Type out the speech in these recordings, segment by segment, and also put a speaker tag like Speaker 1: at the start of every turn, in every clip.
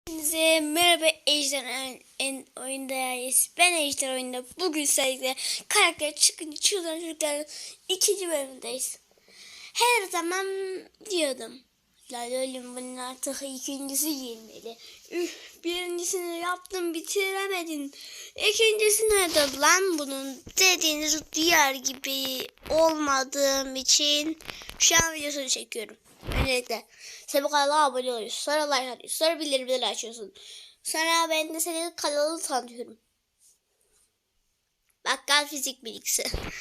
Speaker 1: Hepinize merhaba Ejder oyundayız. Ben Ejder oyunda. Bugün sizlerle karakter çıkınca çıldıran çocukların 2. bölümündeyiz. Her zaman diyordum. Lalolüm bunun artık 2.'si gelmeli. Birincisini yaptım bitiremedin. 2.'si nerede lan bunun dediğinizi duyar gibi olmadığım için şu an videosunu çekiyorum. Öncelikle sen bu kanala abone oluyorsun. Sonra like atıyorsun. Sonra bildirimleri açıyorsun. Sonra ben de senin kanalını tanıtıyorum. Bakkal fizik bilgisi.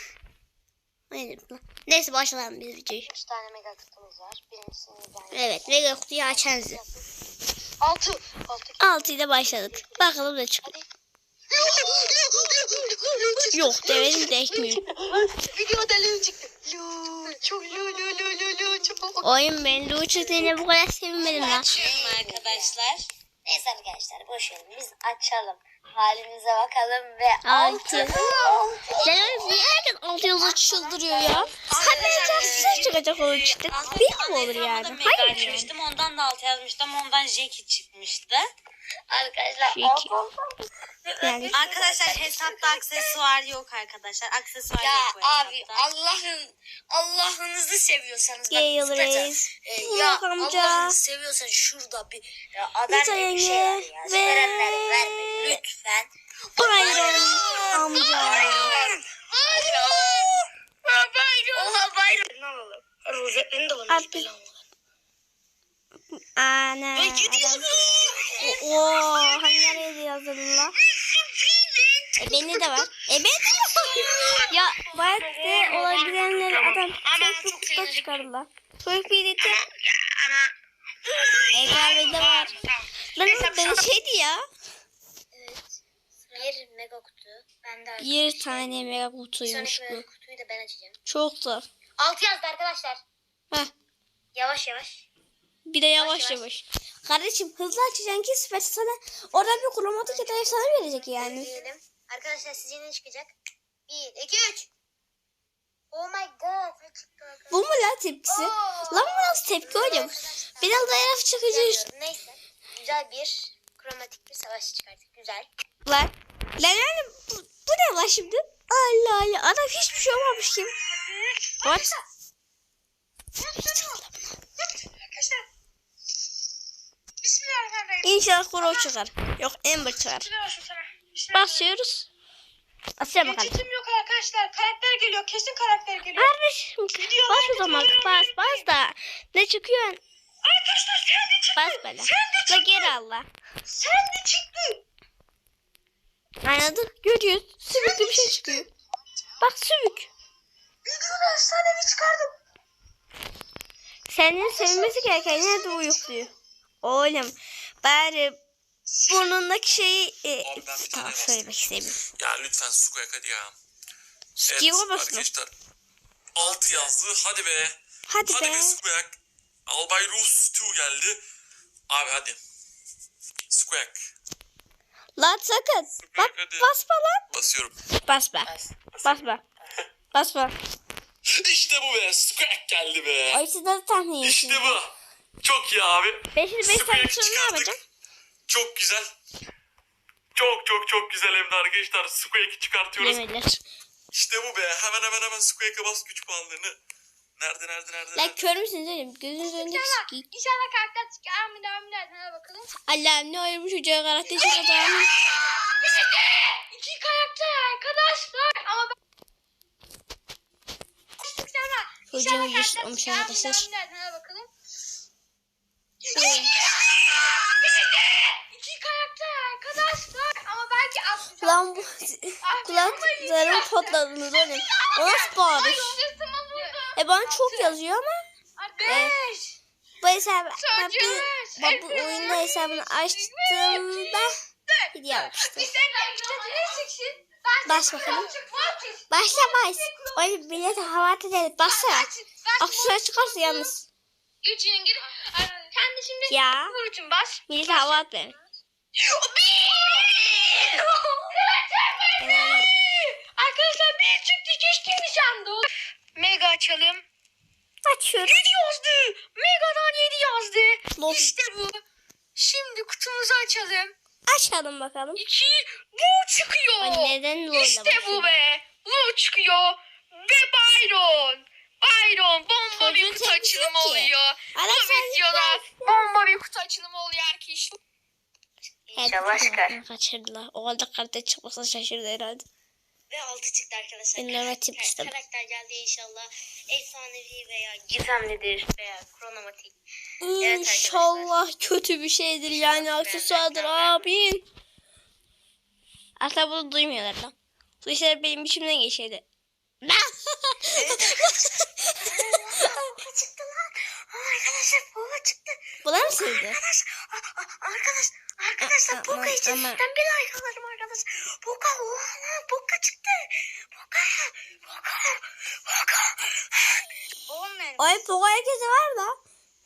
Speaker 1: Neyse başlayalım biz videoyu.
Speaker 2: 3 tane mega kutumuz var. Birincisini ben
Speaker 1: Evet, mega kutuyu açan
Speaker 2: 6
Speaker 1: ile başladık. Bakalım ne çıkıyor. Yok demedim de ekmiyor.
Speaker 2: Video deli çıktı. Çok çok.
Speaker 1: Oyun ben Lu çıktığına bu kadar sevinmedim lan.
Speaker 2: Açıyorum arkadaşlar. Neyse arkadaşlar boş verin biz açalım. Halimize bakalım ve 6.
Speaker 1: Lan bir herkes 6 yıldız çıldırıyor ya. Hadi çıkacak olur çıktık. Bir mi olur yani? Hayır yani.
Speaker 2: Ondan da 6 yazmıştım. Ondan Jackie çıkmıştı. Arkadaşlar
Speaker 1: Jackie. Yani.
Speaker 2: Arkadaşlar hesapta aksesuar yok arkadaşlar. Aksesuar
Speaker 3: Ya
Speaker 2: yok bu
Speaker 3: abi
Speaker 2: hesapta.
Speaker 3: Allah'ınızı seviyorsanız
Speaker 1: Gale
Speaker 3: bak
Speaker 1: Reis.
Speaker 3: ya
Speaker 1: amca.
Speaker 3: Allah'ınızı seviyorsan şurada bir adam gibi bir şey var ya. Verenlere vermeyin lütfen.
Speaker 1: Bayram amca.
Speaker 3: Oha bayram. Ne alalım? Rozetlerini de bana
Speaker 1: Abi. Ana. Oo, hangi nereye yazdın la? Beni de var. Beni de var. Ya belki olabilenleri adam tek kutuda çıkarırlar. Çocuk birlikte. Kahvede var. Lan ben şeydi ya.
Speaker 3: Bir mega kutu. Ben de
Speaker 1: Bir tane mega kutuymuş
Speaker 3: sonraki
Speaker 1: bu.
Speaker 3: mega kutuyu da ben açacağım.
Speaker 1: Çok zor.
Speaker 3: 6 yazdı arkadaşlar.
Speaker 1: Heh.
Speaker 3: Yavaş yavaş.
Speaker 1: Bir de yavaş yavaş. Kardeşim hızlı açacaksın ki süper sana oradan bir kromatik ya da efsane verecek yani.
Speaker 3: Diyelim. Arkadaşlar sizce ne çıkacak? 1, 2, 3. Oh my god. Ne çıktı arkadaşlar?
Speaker 1: Bu mu lan tepkisi? Lan bu nasıl tepki oğlum? Biraz da yaraf çıkıcı.
Speaker 3: Bilmiyorum. Neyse. Güzel bir kromatik bir savaş çıkarttık. Güzel.
Speaker 1: Lan yani bu ne lan şimdi? Allah Allah adam hiçbir şey olmamış kim? What?
Speaker 3: Arkadaşlar. Bismillahirrahmanirrahim.
Speaker 1: İnşallah Crow çıkar. Yok Ember çıkar. Basıyoruz. Asya bakalım.
Speaker 3: Geçitim yok arkadaşlar. Karakter geliyor. Kesin karakter geliyor.
Speaker 1: Kardeşim bas o zaman bas da ne çıkıyor?
Speaker 3: Arkadaşlar sen de çıktı.
Speaker 1: Bas böyle. Ve geri Allah.
Speaker 3: Sen de çıktı.
Speaker 1: Anladık görüyoruz. Sümüklü bir şey çıkıyor. Bak sümük.
Speaker 3: Videoda efsanevi çıkardım.
Speaker 1: Senin sevinmesi gereken nerede uyukluyor. Oğlum bari burnundaki şeyi tamam söylemek istemiyorum.
Speaker 4: Ya lütfen Suko'ya hadi ya.
Speaker 1: Skill basma.
Speaker 4: arkadaşlar. 6 yazdı. Hadi be.
Speaker 1: Hadi be.
Speaker 4: Suko'ya. Albay Rus 2 geldi. Abi hadi. Suko'ya.
Speaker 1: Lan sakın. Bak
Speaker 4: Hadi.
Speaker 1: basma lan.
Speaker 4: Basıyorum.
Speaker 1: Basma. Basma. Basma.
Speaker 4: İşte bu be. Suko'ya geldi be.
Speaker 1: Ay siz nasıl tahmin
Speaker 4: İşte
Speaker 1: ediyorsunuz?
Speaker 4: bu. Çok iyi abi.
Speaker 1: 5'ini 5
Speaker 4: Suko'ya
Speaker 1: tane sonra ne
Speaker 4: çıkardık.
Speaker 1: yapacağım?
Speaker 4: Çok güzel. Çok güzel hem de arkadaşlar. Suko'ya çıkartıyoruz.
Speaker 1: Yemediler.
Speaker 4: İşte bu be. Hemen Suko'ya bas güç puanlarını. Nerede?
Speaker 1: Lan kör müsünüz oğlum? Gözünüz önünde sikik.
Speaker 3: İnşallah karakter çıkar. Amin. Hadi bakalım.
Speaker 1: Allah'ım ne oymuş çocuğa karakter çıkacağım.
Speaker 3: 2 karakter arkadaşlar. Ama ben...
Speaker 1: Çocuğun yüz olmuş arkadaşlar.
Speaker 3: Hadi bakalım. 2 karakter arkadaşlar. Ama belki atlayacağım.
Speaker 1: Lan bu kulaklarım patladınız oğlum. O nasıl bağırış? Bana çok yazıyor ama
Speaker 3: 5.
Speaker 1: bu hesabı bu oyunda hesabını açtığımda hediye almıştım. Bas bakalım. Başla bas. Oy millete hava ateşleri bassana. Aksesuar çıkarsa yalnız.
Speaker 3: 3'ün gir. Sen de şimdi
Speaker 1: Ya
Speaker 3: vur için bas.
Speaker 1: millete hava atmayın.
Speaker 3: Arkadaşlar bir çıktı keşke nişanda olur. Mega açalım.
Speaker 1: Açıyorum.
Speaker 3: 7 yazdı. Mega'dan 7 yazdı.
Speaker 1: Lol.
Speaker 3: İşte bu. Şimdi kutumuzu açalım.
Speaker 1: Açalım bakalım.
Speaker 3: 2 bu çıkıyor.
Speaker 1: Ay, neden böyle
Speaker 3: İşte bu
Speaker 1: başlıyor?
Speaker 3: be. Bu çıkıyor. Ve Byron. Byron bomba bir
Speaker 1: Çocuğun
Speaker 3: kutu
Speaker 1: tepkisi
Speaker 3: açılımı
Speaker 1: ki.
Speaker 3: oluyor.
Speaker 1: Adam
Speaker 3: Bu videoda bomba bir kutu açılımı oluyor arkadaşlar. İnşallah çıkar.
Speaker 1: Kaçırdılar. O halde kartı çıkmasa şaşırdı herhalde.
Speaker 3: Ve 6 çıktı arkadaşlar.
Speaker 1: İnleme tip istedim.
Speaker 3: Karakter geldi inşallah. Efsanevi veya gizemlidir veya kronomatik.
Speaker 1: İnşallah kötü bir şeydir yani aksesuardır abin. Asla bunu duymuyorlar lan. Duysalar benim içimden geçerdi.
Speaker 3: Çıktı lan. Arkadaşlar bomba çıktı.
Speaker 1: Buna mı sevdi?
Speaker 3: Arkadaşlar
Speaker 1: Aman,
Speaker 3: Boka için
Speaker 1: aman.
Speaker 3: ben bir like alırım arkadaşlar. Boka oha lan Boka çıktı. Boka. Olmayan.
Speaker 1: Ay Pogo herkese var da.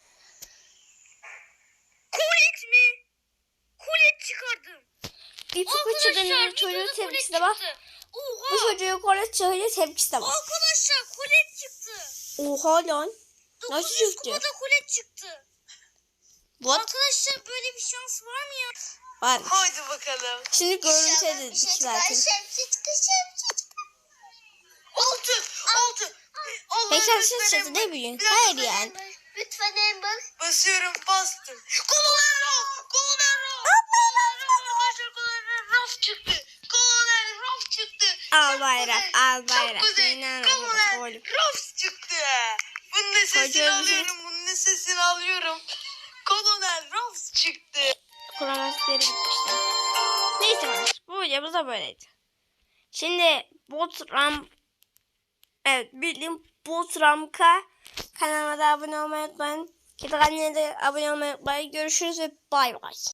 Speaker 3: Kulit mi? Kulit çıkardım.
Speaker 1: Bir Pogo çocuğun çocuğun tepkisi de var. Bu
Speaker 3: Oha.
Speaker 1: çocuğun kolet çocuğun tepkisi de var.
Speaker 3: Arkadaşlar kulit çıktı.
Speaker 1: Oha lan. Nasıl
Speaker 3: 900
Speaker 1: çıktı?
Speaker 3: kupada kulit çıktı.
Speaker 1: What?
Speaker 3: Arkadaşlar böyle bir şans var mı ya?
Speaker 1: Var.
Speaker 3: Haydi bakalım.
Speaker 1: Şimdi görüntü edildik zaten.
Speaker 3: Altı.
Speaker 1: Peki siz çatı ne bileyim? Hayır yani.
Speaker 3: Lütfen Amber.
Speaker 2: Basıyorum bastım.
Speaker 3: Kolonel Raf çıktı. Kolonel Raf çıktı.
Speaker 1: Al bayrak, al bayrak.
Speaker 3: Çok güzel.
Speaker 1: İnanamıyorum.
Speaker 3: Kolonel Raf çıktı.
Speaker 2: Bunun da sesini
Speaker 1: Çocuğum.
Speaker 2: alıyorum. Bunun da sesini alıyorum. Kolonel Ross çıktı.
Speaker 1: Kuramasları bitmişti. Neyse var. Bu videomuz da böyleydi. Şimdi bildiğim Botramka kanalıma da abone olmayı unutmayın. Kendi kanalına da abone olmayı unutmayın. Görüşürüz ve bay bay.